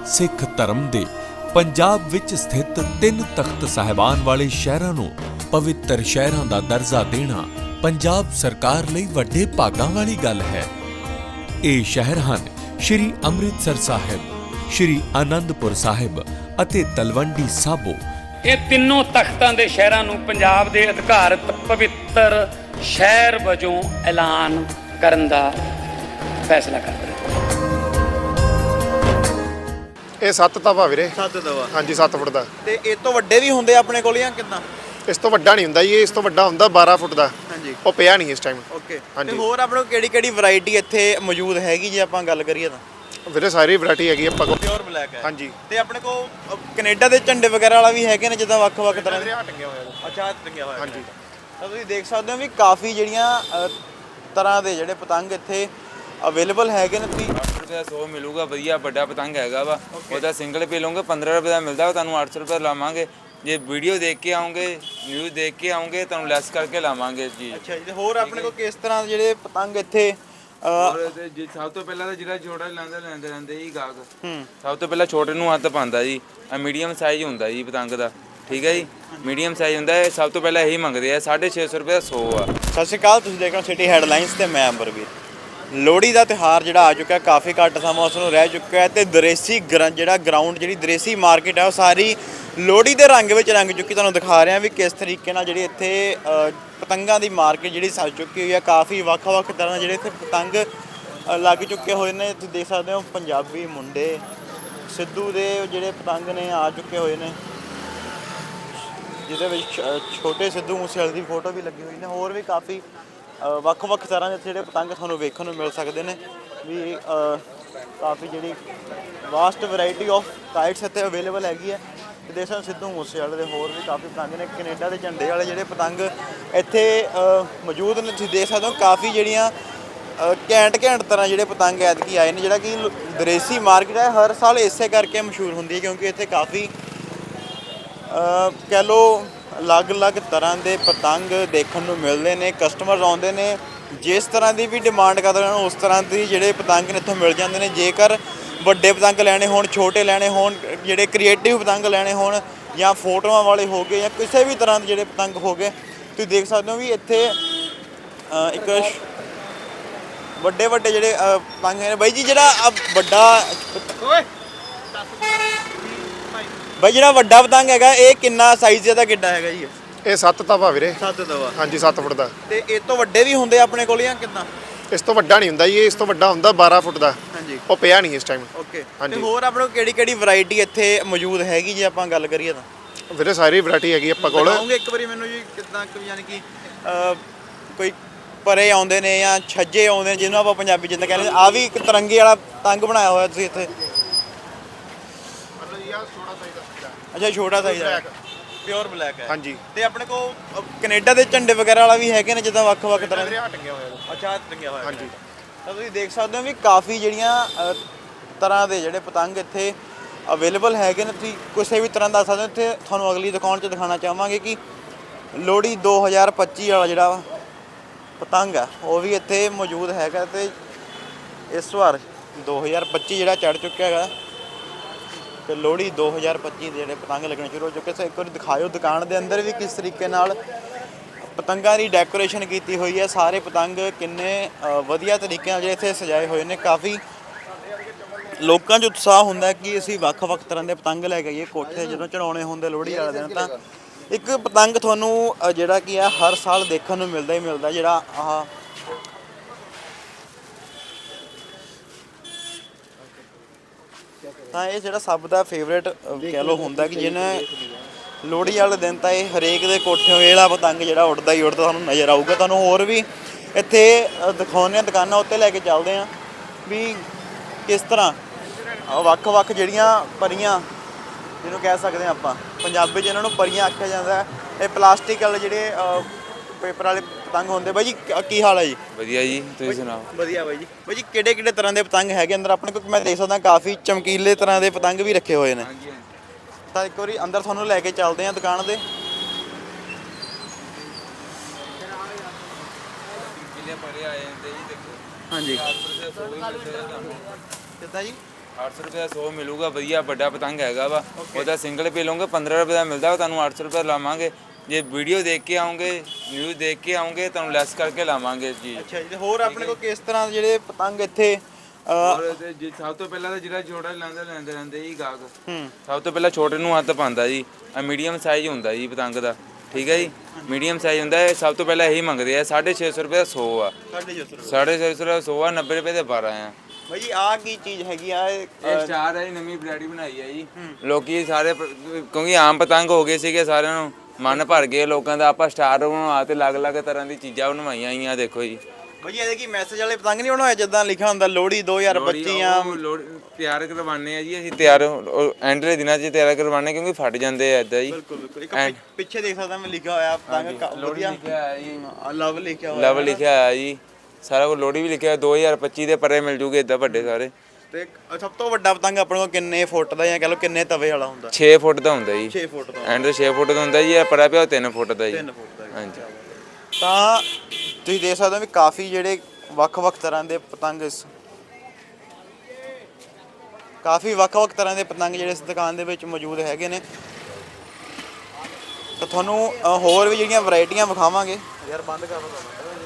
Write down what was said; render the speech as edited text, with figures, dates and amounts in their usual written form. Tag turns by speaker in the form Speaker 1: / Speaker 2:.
Speaker 1: ਸਿੱਖ ਧਰਮ ਦੇ ਪੰਜਾਬ ਵਿੱਚ ਸਥਿਤ 3 ਤਖਤ ਸਾਹਿਬਾਨ ਵਾਲੇ ਸ਼ਹਿਰਾਂ ਨੂੰ ਪਵਿੱਤਰ ਸ਼ਹਿਰਾਂ ਦਾ ਦਰਜਾ ਦੇਣਾ ਪੰਜਾਬ ਸਰਕਾਰ ਲਈ ਵੱਡੇ ਭਾਗਾਂ ਵਾਲੀ ਗੱਲ ਹੈ। ਇਹ ਸ਼ਹਿਰ ਹਨ ਸ਼੍ਰੀ ਅੰਮ੍ਰਿਤਸਰ ਸਾਹਿਬ, ਸ਼੍ਰੀ ਆਨੰਦਪੁਰ ਸਾਹਿਬ ਅਤੇ ਤਲਵੰਡੀ ਸਾਬੋ।
Speaker 2: ਇਹ ਤਿੰਨੋਂ ਤਖਤਾਂ ਦੇ ਸ਼ਹਿਰਾਂ ਨੂੰ ਪੰਜਾਬ ਦੇ ਅਧਿਕਾਰਤ ਪਵਿੱਤਰ ਸ਼ਹਿਰ ਵਜੋਂ ਐਲਾਨ ਕਰਨ ਦਾ ਫੈਸਲਾ ਕਰ ਰਿਹਾ।
Speaker 3: ਇਹ 7 ਤਵਾ ਵੀਰੇ।
Speaker 4: 7 ਤਵਾ
Speaker 3: ਹਾਂਜੀ 7 ਫੁੱਟ ਦਾ।
Speaker 4: ਤੇ ਇਹ ਤੋਂ ਵੱਡੇ ਵੀ ਹੁੰਦੇ ਆਪਣੇ ਕੋਲ ਜਾਂ ਕਿੰਨਾ?
Speaker 3: ਇਸ ਤੋਂ ਵੱਡਾ ਨਹੀਂ ਹੁੰਦਾ ਜੀ, ਇਸ ਤੋਂ ਵੱਡਾ ਹੁੰਦਾ 12 ਫੁੱਟ ਦਾ।
Speaker 4: ਹਾਂਜੀ
Speaker 3: ਉਹ ਪਿਆ ਨਹੀਂ ਇਸ ਟਾਈਮ।
Speaker 4: ਓਕੇ।
Speaker 3: ਹਾਂਜੀ।
Speaker 4: ਤੇ ਹੋਰ ਆਪਣੇ ਕੋਲ ਕਿਹੜੀ ਵੈਰਾਈਟੀ ਇੱਥੇ ਮੌਜੂਦ ਹੈਗੀ ਜੇ ਆਪਾਂ ਗੱਲ ਕਰੀਏ ਤਾਂ?
Speaker 3: ਵੀਰੇ ਸਾਰੀ ਵੈਰਾਈਟੀ ਹੈਗੀ ਆਪਾਂ ਕੋਲ।
Speaker 4: ਪਿਓਰ ਬਲੈਕ ਹੈ।
Speaker 3: ਹਾਂਜੀ।
Speaker 4: ਤੇ ਆਪਣੇ ਕੋਲ ਕੈਨੇਡਾ ਦੇ ਝੰਡੇ ਵਗੈਰਾ ਵਾਲਾ ਵੀ ਹੈਗੇ ਨੇ ਜਿੱਦਾਂ ਵੱਖ-ਵੱਖ ਤਰ੍ਹਾਂ ਦੇ?
Speaker 3: ਟੰਗਿਆ ਹੋਇਆ।
Speaker 4: ਅੱਛਾ ਟੰਗਿਆ ਹੋਇਆ।
Speaker 3: ਹਾਂਜੀ।
Speaker 4: ਤਾਂ ਤੁਸੀਂ ਦੇਖ ਸਕਦੇ ਹੋ ਵੀ ਕਾਫੀ ਜਿਹੜੀਆਂ ਤਰ੍ਹਾਂ ਦੇ ਜਿਹੜੇ ਪਤੰਗ ਇੱਥੇ ਅਵੇਲੇਬਲ ਹੈਗੇ ਨੇ। ਤੁਸੀਂ
Speaker 5: 800 ਰੁਪਏ ਦਾ 100 ਮਿਲੂਗਾ, ਵਧੀਆ ਵੱਡਾ ਪਤੰਗ ਹੈਗਾ ਵਾ। ਉਹਦਾ ਸਿੰਗਲ ਪੇ ਲਓਗੇ 15 ਰੁਪਏ ਦਾ ਮਿਲਦਾ, ਤੁਹਾਨੂੰ 800 ਰੁਪਏ ਲਾਵਾਂਗੇ। ਜੇ ਵੀਡੀਓ ਦੇਖ ਕੇ ਆਉਂਗੇ, ਨਿਊਜ਼ ਦੇਖ ਕੇ ਆਉਂਗੇ, ਤੁਹਾਨੂੰ ਲੈਸ ਕਰਕੇ ਲਾਵਾਂਗੇ ਜੀ।
Speaker 4: ਅੱਛਾ ਜੀ। ਤੇ ਹੋਰ ਆਪਣੇ ਕੋਲ ਕਿਸ ਤਰ੍ਹਾਂ ਦੇ ਜਿਹੜੇ ਪਤੰਗ ਇੱਥੇ
Speaker 5: ਜੀ ਸਭ ਤੋਂ ਪਹਿਲਾਂ ਤਾਂ ਜਿਹੜਾ ਛੋਟਾ ਲੈਂਦੇ ਜੀ ਗਾਹਕ, ਸਭ ਤੋਂ ਪਹਿਲਾਂ ਛੋਟੇ ਨੂੰ ਹੱਥ ਪਾਉਂਦਾ ਜੀ। ਆ ਮੀਡੀਅਮ ਸਾਈਜ਼ ਹੁੰਦਾ ਜੀ ਪਤੰਗ ਦਾ, ਠੀਕ ਹੈ ਜੀ। ਮੀਡੀਅਮ ਸਾਈਜ਼ ਹੁੰਦਾ ਹੈ, ਸਭ ਤੋਂ ਪਹਿਲਾਂ ਇਹੀ ਮੰਗਦੇ ਆ। 650 ਰੁਪਏ ਦਾ 100 ਆ।
Speaker 4: ਸਤਿ ਸ਼੍ਰੀ ਅਕਾਲ, ਤੁਸੀਂ ਦੇਖ ਰਹੇ ਹੋ ਸਿਟੀ ਹੈਡਲਾਈਨਸ ਤੇ ਮੈਂ ਅੰਬਰਵੀਰ। ਲੋਹੜੀ ਦਾ ਤਿਉਹਾਰ ਜਿਹੜਾ ਆ ਚੁੱਕਾ, ਕਾਫੀ ਘੱਟ ਸਮਾਂ ਉਸ ਨੂੰ ਰਹਿ ਚੁੱਕਾ ਹੈ ਤੇ ਦਰੇਸੀ ਜਿਹੜਾ ਗਰਾਊਂਡ, ਜਿਹੜੀ ਦਰੇਸੀ ਮਾਰਕੀਟ ਹੈ, ਉਹ ਸਾਰੀ ਲੋਹੜੀ ਦੇ ਰੰਗ ਵਿੱਚ ਰੰਗ ਚੁੱਕੀ। ਤੁਹਾਨੂੰ ਦਿਖਾ ਰਿਹਾ ਵੀ ਕਿਸ ਤਰੀਕੇ ਨਾਲ ਜਿਹੜੀ ਇੱਥੇ ਪਤੰਗਾਂ ਦੀ ਮਾਰਕੀਟ ਜਿਹੜੀ ਸਜ ਚੁੱਕੀ ਹੋਈ ਹੈ। ਕਾਫੀ ਵੱਖ-ਵੱਖ ਤਰ੍ਹਾਂ ਦੇ ਜਿਹੜੇ ਇੱਥੇ ਪਤੰਗ ਲੱਗ ਚੁੱਕੇ ਹੋਏ ਨੇ। ਤੁਸੀਂ ਦੇਖ ਸਕਦੇ ਹੋ ਪੰਜਾਬੀ ਮੁੰਡੇ ਸਿੱਧੂ ਦੇ ਜਿਹੜੇ ਪਤੰਗ ਨੇ ਆ ਚੁੱਕੇ ਹੋਏ ਨੇ, ਜਿਹਦੇ ਵਿੱਚ ਛੋਟੇ ਸਿੱਧੂ ਮੂਸੇਵਾਲੇ ਦੀ ਫੋਟੋ ਵੀ ਲੱਗੀ ਹੋਈ ਨੇ। ਹੋਰ ਵੀ ਕਾਫੀ ਵੱਖ-ਵੱਖ ਤਰ੍ਹਾਂ ਦੇ ਜਿਹੜੇ ਪਤੰਗ ਤੁਹਾਨੂੰ ਵੇਖਣ ਨੂੰ ਮਿਲ ਸਕਦੇ ਨੇ। ਵੀ ਕਾਫੀ ਜਿਹੜੀ ਵਾਸਟ ਵੈਰਾਈਟੀ ਆਫ ਕਾਈਟਸ ਇੱਥੇ ਅਵੇਲੇਬਲ ਹੈਗੀ ਹੈ। ਤੇ ਦੇਖ ਸਕਦੇ ਸਿੱਧੂ ਮੂਸੇਵਾਲੇ ਦੇ ਹੋਰ ਵੀ ਕਾਫੀ ਪਤੰਗ ਨੇ। ਕੈਨੇਡਾ ਦੇ ਝੰਡੇ ਵਾਲੇ ਜਿਹੜੇ ਪਤੰਗ ਇੱਥੇ ਮੌਜੂਦ ਨੇ। ਤੁਸੀਂ ਦੇਖ ਸਕਦੇ ਹੋ ਕਾਫੀ ਜਿਹੜੀਆਂ ਘੈਂਟ ਤਰ੍ਹਾਂ ਜਿਹੜੇ ਪਤੰਗ ਐਤਕੀ ਆਏ ਨੇ। ਜਿਹੜਾ ਕਿ ਦਰੇਸੀ ਮਾਰਕੀਟ ਹੈ, ਹਰ ਸਾਲ ਇਸੇ ਕਰਕੇ ਮਸ਼ਹੂਰ ਹੁੰਦੀ ਹੈ ਕਿਉਂਕਿ ਇੱਥੇ ਕਾਫੀ ਕਹਿ ਲਓ ਅਲੱਗ-ਅਲੱਗ ਤਰ੍ਹਾਂ ਦੇ ਪਤੰਗ ਦੇਖਣ ਨੂੰ ਮਿਲਦੇ ਨੇ। ਕਸਟਮਰ ਆਉਂਦੇ ਨੇ, ਜਿਸ ਤਰ੍ਹਾਂ ਦੀ ਵੀ ਡਿਮਾਂਡ ਕਰਦੇ ਹਨ ਉਸ ਤਰ੍ਹਾਂ ਦੀ ਜਿਹੜੇ ਪਤੰਗ ਨੇ ਇੱਥੋਂ ਮਿਲ ਜਾਂਦੇ ਨੇ। ਜੇਕਰ ਵੱਡੇ ਪਤੰਗ ਲੈਣੇ ਹੋਣ, ਛੋਟੇ ਲੈਣੇ ਹੋਣ, ਜਿਹੜੇ ਕ੍ਰੀਏਟਿਵ ਪਤੰਗ ਲੈਣੇ ਹੋਣ ਜਾਂ ਫੋਟੋਆਂ ਵਾਲੇ ਹੋ ਗਏ ਜਾਂ ਕਿਸੇ ਵੀ ਤਰ੍ਹਾਂ ਦੇ ਜਿਹੜੇ ਪਤੰਗ ਹੋ ਗਏ, ਤੁਸੀਂ ਦੇਖ ਸਕਦੇ ਹੋ ਵੀ ਇੱਥੇ ਇੱਕ ਵੱਡੇ ਜਿਹੜੇ ਪਤੰਗ ਨੇ। ਬਾਈ ਜੀ ਜਿਹੜਾ ਵੱਡਾ ਪਤੰਗ ਹੈਗਾ, ਇਹ ਕਿੰਨਾ ਸਾਈਜ਼ ਇਹਦਾ ਕਿੱਡਾ ਹੈਗਾ ਜੀ?
Speaker 3: ਇਹ 7 ਤਵਾ ਵੀਰੇ।
Speaker 4: 7 ਤਵਾ।
Speaker 3: ਹਾਂਜੀ 7 ਫੁੱਟ ਦਾ।
Speaker 4: ਤੇ ਇਹ ਤੋਂ ਵੱਡੇ ਵੀ ਹੁੰਦੇ ਆਪਣੇ ਕੋਲ ਜਾਂ ਕਿੰਨਾ?
Speaker 3: ਇਸ ਤੋਂ ਵੱਡਾ ਨਹੀਂ ਹੁੰਦਾ ਜੀ, ਇਸ ਤੋਂ ਵੱਡਾ ਹੁੰਦਾ 12 ਫੁੱਟ ਦਾ।
Speaker 4: ਹਾਂਜੀ।
Speaker 3: ਉਹ ਪਿਆ ਨਹੀਂ ਇਸ ਟਾਈਮ।
Speaker 4: ਓਕੇ।
Speaker 3: ਹਾਂਜੀ।
Speaker 4: ਤੇ ਹੋਰ ਆਪਣੇ ਕੋਲ ਕਿਹੜੀ ਵੈਰਾਈਟੀ ਇੱਥੇ ਮੌਜੂਦ ਹੈਗੀ ਜੇ ਆਪਾਂ ਗੱਲ ਕਰੀਏ ਤਾਂ?
Speaker 3: ਵੀਰੇ ਸਾਰੀ ਵੈਰਾਈਟੀ ਹੈਗੀ ਆਪਾਂ ਕੋਲ।
Speaker 4: ਦਿਖਾਓਗੇ ਇੱਕ ਵਾਰੀ ਮੈਨੂੰ ਜੀ ਕਿੱਦਾਂ, ਯਾਨੀ ਕਿ ਕੋਈ ਪਰੇ ਆਉਂਦੇ ਨੇ ਜਾਂ ਛੱਜੇ ਆਉਂਦੇ ਨੇ, ਜਿਹਨੂੰ ਆਪਾਂ ਪੰਜਾਬੀ ਜਿੱਦਾਂ ਕਹਿੰਦੇ। ਆ ਵੀ ਇੱਕ ਤਿਰੰਗੇ ਵਾਲਾ ਪਤੰਗ ਬਣਾਇਆ ਹੋਇਆ ਤੁਸੀਂ ਇੱਥੇ? ਅੱਛਾ ਛੋਟਾ ਸਾਈਜ਼ ਹੈ, ਪਿਓਰ ਬਲੈਕ ਹੈ।
Speaker 3: ਹਾਂਜੀ।
Speaker 4: ਤੇ ਆਪਣੇ ਕੋਲ ਕੈਨੇਡਾ ਦੇ ਝੰਡੇ ਵਗੈਰਾ ਵਾਲਾ ਵੀ ਹੈਗੇ ਨੇ ਜਿੱਦਾਂ ਵੱਖ-ਵੱਖ ਤਰ੍ਹਾਂ ਦੇ?
Speaker 3: ਟੰਗਿਆ ਹੋਇਆ।
Speaker 4: ਅੱਛਾ ਟੰਗਿਆ ਹੋਇਆ।
Speaker 3: ਹਾਂਜੀ।
Speaker 4: ਤਾਂ ਤੁਸੀਂ ਦੇਖ ਸਕਦੇ ਹੋ ਵੀ ਕਾਫੀ ਜਿਹੜੀਆਂ ਤਰ੍ਹਾਂ ਦੇ ਜਿਹੜੇ ਪਤੰਗ ਇੱਥੇ ਅਵੇਲੇਬਲ ਹੈਗੇ ਨੇ। ਤੁਸੀਂ ਕਿਸੇ ਵੀ ਤਰ੍ਹਾਂ ਦਾ ਦੱਸ ਸਕਦੇ ਹੋ। ਇੱਥੇ ਤੁਹਾਨੂੰ ਅਗਲੀ ਦੁਕਾਨ 'ਚ ਦਿਖਾਉਣਾ ਚਾਹਾਂਗੇ ਕਿ ਲੋਹੜੀ 2025 ਵਾਲਾ ਜਿਹੜਾ ਪਤੰਗ ਆ ਉਹ ਵੀ ਇੱਥੇ ਮੌਜੂਦ ਹੈਗਾ। ਤੇ ਇਸ ਵਾਰ 2025 ਜਿਹੜਾ ਚੜ੍ਹ ਚੁੱਕਿਆ ਹੈਗਾ ਤੇ ਲੋਹੜੀ 2025 ਦੇ ਜਿਹੜੇ ਪਤੰਗ ਲੱਗਣੇ ਸ਼ੁਰੂ ਹੋ ਚੁੱਕੇ। ਸੋ ਇੱਕ ਵਾਰੀ ਦਿਖਾਇਓ ਦੁਕਾਨ ਦੇ ਅੰਦਰ ਵੀ ਕਿਸ ਤਰੀਕੇ ਨਾਲ ਪਤੰਗਾਂ ਦੀ ਡੈਕੋਰੇਸ਼ਨ ਕੀਤੀ ਹੋਈ ਹੈ। ਸਾਰੇ ਪਤੰਗ ਕਿੰਨੇ ਵਧੀਆ ਤਰੀਕੇ ਨਾਲ ਜਿਹੜੇ ਇੱਥੇ ਸਜਾਏ ਹੋਏ ਨੇ। ਕਾਫੀ ਲੋਕਾਂ 'ਚ ਉਤਸ਼ਾਹ ਹੁੰਦਾ ਕਿ ਅਸੀਂ ਵੱਖ-ਵੱਖ ਤਰ੍ਹਾਂ ਦੇ ਪਤੰਗ ਲੈ ਕੇ ਆਈਏ ਕੋਠੇ ਜਦੋਂ ਚੜਾਉਣੇ ਹੁੰਦੇ ਲੋਹੜੀ ਵਾਲੇ ਦਿਨ। ਤਾਂ ਇੱਕ ਪਤੰਗ ਤੁਹਾਨੂੰ ਜਿਹੜਾ ਕੀ ਆ ਹਰ ਸਾਲ ਦੇਖਣ ਨੂੰ ਮਿਲਦਾ ਹੀ ਮਿਲਦਾ, ਜਿਹੜਾ ਆਹ ਤਾਂ ਇਹ ਜਿਹੜਾ ਸਭ ਦਾ ਫੇਵਰੇਟ ਕਹਿ ਲਓ ਹੁੰਦਾ ਕਿ ਜਿਹਨੇ ਲੋਹੜੀ ਵਾਲੇ ਦਿਨ ਤਾਂ ਇਹ ਹਰੇਕ ਦੇ ਕੋਠਿਓਂ ਇਹ ਵਾਲਾ ਪਤੰਗ ਜਿਹੜਾ ਉੱਡਦਾ ਹੀ ਉੱਡਦਾ ਤੁਹਾਨੂੰ ਨਜ਼ਰ ਆਊਗਾ। ਤੁਹਾਨੂੰ ਹੋਰ ਵੀ ਇੱਥੇ ਦਿਖਾਉਂਦੇ ਹਾਂ, ਦੁਕਾਨਾਂ ਉੱਤੇ ਲੈ ਕੇ ਚੱਲਦੇ ਹਾਂ ਵੀ ਕਿਸ ਤਰ੍ਹਾਂ ਵੱਖ-ਵੱਖ ਜਿਹੜੀਆਂ ਪਰੀਆਂ ਜਿਹਨੂੰ ਕਹਿ ਸਕਦੇ ਹਾਂ ਆਪਾਂ ਪੰਜਾਬੀ 'ਚ ਇਹਨਾਂ ਨੂੰ ਪਰੀਆਂ ਆਖਿਆ ਜਾਂਦਾ। ਇਹ ਪਲਾਸਟਿਕ ਵਾਲੇ ਜਿਹੜੇ ਪੇਪਰ ਵਾਲੇ ਪਤੰਗ ਹੁੰਦੇ। ਬਾਈ ਜੀ ਕੀ ਹਾਲ ਹੈ ਜੀ?
Speaker 5: ਵਧੀਆ ਜੀ, ਤੁਸੀਂ ਸੁਣਾਓ?
Speaker 4: ਵਧੀਆ ਬਾਈ ਜੀ। ਬਾਈ ਜੀ ਕਿਹੜੇ ਤਰ੍ਹਾਂ ਦੇ ਪਤੰਗ ਹੈਗੇ ਅੰਦਰ ਆਪਣੇ ਕੋਲ? ਮੈਂ ਦੇਖ ਸਕਦਾ ਕਾਫੀ ਚਮਕੀਲੇ ਤਰ੍ਹਾਂ ਦੇ ਪਤੰਗ ਵੀ ਰੱਖੇ ਹੋਏ ਨੇ।
Speaker 5: ਹਾਂਜੀ।
Speaker 4: ਤਾਂ ਇੱਕ ਵਾਰੀ ਅੰਦਰ ਤੁਹਾਨੂੰ ਲੈ ਕੇ ਚੱਲਦੇ ਹਾਂ ਦੁਕਾਨ ਦੇ।
Speaker 5: ਕਿੰਨੇ ਪਰੇ ਆਏ ਜਾਂਦੇ ਜੀ ਦੇਖੋ।
Speaker 4: ਹਾਂਜੀ।
Speaker 5: ਕਿੱਦਾਂ
Speaker 4: ਕਿੱਦਾਂ ਜੀ?
Speaker 5: 800 ਰੁਪਏ ਦਾ 100 ਮਿਲੂਗਾ, ਵਧੀਆ ਵੱਡਾ ਪਤੰਗ ਹੈਗਾ ਵਾ। ਉਹਦਾ ਸਿੰਗਲ ਪੇ ਲਓਗੇ 15 ਰੁਪਏ ਦਾ ਮਿਲਦਾ ਵਾ, ਤੁਹਾਨੂੰ 800 ਰੁਪਏ ਲਾਵਾਂਗੇ। ਜੇ ਵੀਡੀਓ ਦੇਖ ਕੇ ਆਉਂਗੇ, ਨਿਊਜ਼ ਦੇਖ ਕੇ ਆਉਂਗੇ, ਤੁਹਾਨੂੰ ਲੈਸ ਕਰਕੇ ਲਾਵਾਂਗੇ ਜੀ।
Speaker 4: ਅੱਛਾ ਜੀ, ਤੇ ਹੋਰ ਆਪਣੇ ਕੋਲ ਕਿਸ ਤਰ੍ਹਾਂ ਦੇ ਜਿਹੜੇ ਪਤੰਗ ਇੱਥੇ
Speaker 5: ਔਰ ਜੇ ਸਭ ਤੋਂ ਪਹਿਲਾਂ ਤਾਂ ਜਿਹੜਾ ਛੋਟਾ ਲੈਂਦੇ ਰਹਿੰਦੇ ਜੀ ਗਾਹਕ, ਸਭ ਤੋਂ ਪਹਿਲਾਂ ਛੋਟੇ ਨੂੰ ਹੱਥ ਪਾਉਂਦਾ ਜੀ। ਆ ਮੀਡੀਅਮ ਸਾਈਜ਼ ਹੁੰਦਾ ਜੀ ਪਤੰਗ ਦਾ, ਠੀਕ ਹੈ ਜੀ। ਮੀਡੀਅਮ ਸਾਈਜ਼ ਹੁੰਦਾ ਹੈ, ਸਭ ਤੋਂ ਪਹਿਲਾਂ ਇਹੀ ਮੰਗਦੇ ਆ। 650 ਰੁਪਏ ਦਾ 100 ਆ, 650 ਦਾ 100 ਆ, 90 ਰੁਪਏ ਦੇ 12 ਆ।
Speaker 4: ਭਾਈ ਜੀ ਆਹ ਕੀ ਚੀਜ਼ ਹੈਗੀ ਆ?
Speaker 5: ਇਹ ਸਟਾਰ ਹੈ ਜੀ, ਨਵੀਂ ਵੈਰਾਈਟੀ ਬਣਾਈ ਹੈ ਜੀ। ਲੋਕੀ ਸਾਰੇ ਕਿਉਂਕਿ ਆਮ ਪਤੰਗ ਹੋ ਗਏ ਸੀਗੇ, ਸਾਰਿਆਂ ਨੂੰ ਮਨ ਭਰ ਗਏ ਲੋਕਾਂ ਦਾ। ਆਪਾਂ ਸਟਾਰ ਬਣਵਾ ਤੇ ਅਲੱਗ-ਅਲੱਗ ਤਰ੍ਹਾਂ ਦੀ ਚੀਜ਼ਾਂ ਬਣਵਾਈਆਂ ਆਈਆਂ, ਦੇਖੋ ਜੀ।
Speaker 4: ਭਾਈ ਜੀ ਇਹਦੇ ਕੀ ਮੈਸੇਜ ਵਾਲੇ ਪਤੰਗ ਨਹੀਂ ਬਣਾਏ ਜਿੱਦਾਂ ਲਿਖਿਆ ਹੁੰਦਾ ਲੋਹੜੀ 2025 ਆ?
Speaker 5: ਤਿਆਰ ਕਰਵਾਉਂਦੇ ਆ ਜੀ ਅਸੀਂ, ਤਿਆਰ ਐਂਡ ਦੇ ਦਿਨਾਂ 'ਚ ਤਿਆਰ ਕਰਵਾਉਂਦੇ, ਕਿਉਂਕਿ ਫਟ ਜਾਂਦੇ ਆ ਇਦਾਂ ਜੀ।
Speaker 4: ਬਿਲਕੁਲ ਇੱਕ ਪਿੱਛੇ ਦੇਖ ਸਕਦਾ ਮੈਂ ਲਿਖਿਆ ਹੋਇਆ ਪਤੰਗ
Speaker 5: ਲੋਹੜੀ ਲਿਖਿਆ ਹੋਇਆ ਜੀ,
Speaker 4: ਲਵ ਲਿਖਿਆ ਹੋਇਆ।
Speaker 5: ਲਵ ਲਿਖਿਆ ਹੋਇਆ ਜੀ, ਸਾਰਾ ਕੁਝ। ਲੋਹੜੀ ਵੀ ਲਿਖਿਆ ਹੋਇਆ, 2025 ਦੇ ਪਰੇ ਮਿਲ ਜੂਗੇ ਇਦਾਂ ਵੱਡੇ ਸਾਰੇ।
Speaker 4: ਤੇ ਸਭ ਤੋਂ ਵੱਡਾ ਪਤੰਗ ਆਪਣੇ ਕੋਲ ਕਿੰਨੇ ਫੁੱਟ ਦਾ ਜਾਂ ਕਹ ਲਓ ਕਿੰਨੇ ਤਵੇ ਵਾਲਾ ਹੁੰਦਾ?
Speaker 5: 6 ਫੁੱਟ ਦਾ ਹੁੰਦਾ ਜੀ।
Speaker 4: 6 ਫੁੱਟ ਦਾ
Speaker 5: ਐਂਡ 6 ਫੁੱਟ ਦਾ ਹੁੰਦਾ ਜੀ। ਇਹ ਪਰਾ ਪਿਆ 3 ਫੁੱਟ ਦਾ ਜੀ।
Speaker 4: 3 ਫੁੱਟ ਦਾ।
Speaker 5: ਹਾਂਜੀ।
Speaker 4: ਤਾਂ ਤੁਸੀਂ ਦੇਖ ਸਕਦੇ ਹੋ ਵੀ ਕਾਫੀ ਜਿਹੜੇ ਵੱਖ-ਵੱਖ ਤਰ੍ਹਾਂ ਦੇ ਪਤੰਗ ਜਿਹੜੇ ਇਸ ਦੁਕਾਨ ਦੇ ਵਿੱਚ ਮੌਜੂਦ ਹੈਗੇ ਨੇ। ਤਾਂ ਤੁਹਾਨੂੰ ਹੋਰ ਵੀ ਜਿਹੜੀਆਂ ਵੈਰਾਈਟੀਆਂ ਵਿਖਾਵਾਂਗੇ। ਯਾਰ ਬੰਦ ਕਰ ਦੋ।